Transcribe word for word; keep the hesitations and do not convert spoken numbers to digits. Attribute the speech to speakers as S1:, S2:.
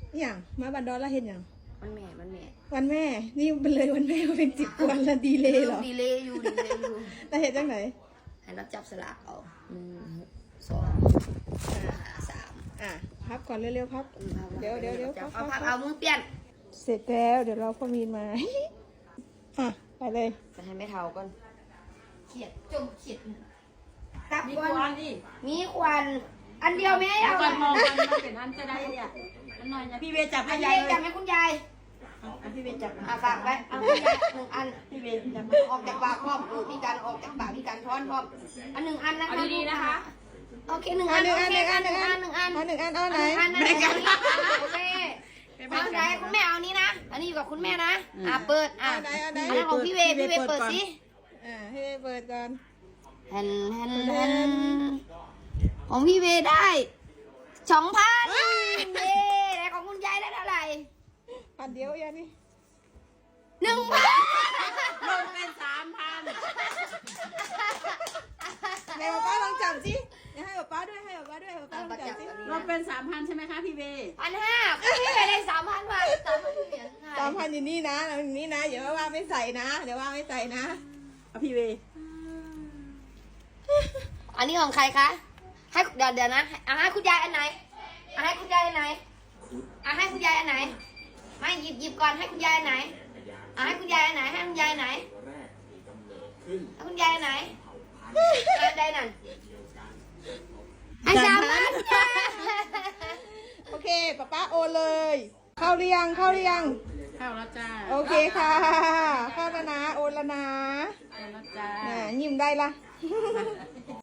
S1: อย่างมาบันดอนแล้วเห็นอย่าง
S2: วันแม่วันแม่
S1: วันแม่นี่เป็นเลยวันแม่เป็นสิบวันละดีเลยเหรอ
S2: ดีเลยอยู่ดีเลยอยู่
S1: แล้วเห็นจังไหน
S2: ให้เราจับสลากเอาหนึ่งสองสาม
S1: อ่ะพับก่อนเร็วๆพับเดี๋ยวเดี๋ยวเดี๋ยว
S2: เอาพับเอามือเปลี่ยน
S1: เสร็จแล้วเดี๋ยวเราพ่อมีนมาอ่ะไปเลย
S2: จะให้ไม่เท่าก่อนเขียดจมเขียดตับ
S3: มี
S2: ก่อน
S3: ควันดิ
S2: มีควันอันเดียวไหมเอา
S3: ควันมองกันมันเป็นอันจะได้เนี่ยอันหน่อยนะพี่เวจับให้ยายเลย
S2: จับให้คุณยาย
S3: พี่เวจับ
S2: อ่ะฝากไว้เอาคุณยายหนึ่งอัน
S3: พี่เวจับ
S2: ออกจากปากพร้อมพี่การออกจากปากพี่การช้อนพร้อมอันหนึ่งอันนะคะ
S3: ดีๆนะคะ
S2: โอเคหนึ่งอันหนึ่งอันหนึ่งอันหนึ่งอันหนึ่งอัน
S1: เอาหนึ่งอันเอาไหน
S2: แม่กันคุณแม่เอาไหนคุณแม่เอานี้นะอันนี้อยู่กับคุณแม่นะอ่ะเปิดอ่ะอันนั้นของพี่เวพี่เวเปิดสิ
S1: อ่าให้เปิดก่อน
S2: แฮนแฮนแฮนของพี่เวได้สองพันเย้แต่ของคุณยายได้เท่าไหร่
S1: พันเดียวยังนี่
S2: หนึ่งพัน
S3: ลงเป็นสามพัน
S1: แม่ป้าลองจับสิให้ป้าด้วยให้ป้าด้วยป้าลองจับสิ
S3: ลงเป็นสามพันใช่ไหมคะพี่เว
S2: พันห้าพี่เวได้สามพันบาทสามพันเหรียญ
S1: สามพันอยู่นี่นะอยู่นี่นะเดี๋ยวว่าไม่ใส่นะเดี๋ยวว่าไม่ใส่นะ
S3: เอาพี่เว
S2: อันนี้ของใครคะให้เดี๋ยวเดี๋ยวนะอ่ะให้คุณยายอันไหนอ่ะให้คุณยายอันไหนอ่ะให้คุณยายอันไหนไม่หยิบหยิบก่อนให้คุณยายอันไหนอ่ะให้คุณยายอันไหนให้คุณยายอันไหนให้คุณยายอันไหนอันใดนั่นอันสามพัน
S1: โอเคป้าป้าโอเลยเข้าเรียงเข้าเรียง
S3: เข้าแล้วจ้า
S1: โอเคค่ะเข้าแล้วนะโอนแล้วนะ
S3: เข้าแล้วจ้า
S1: ยิ้มได้ละ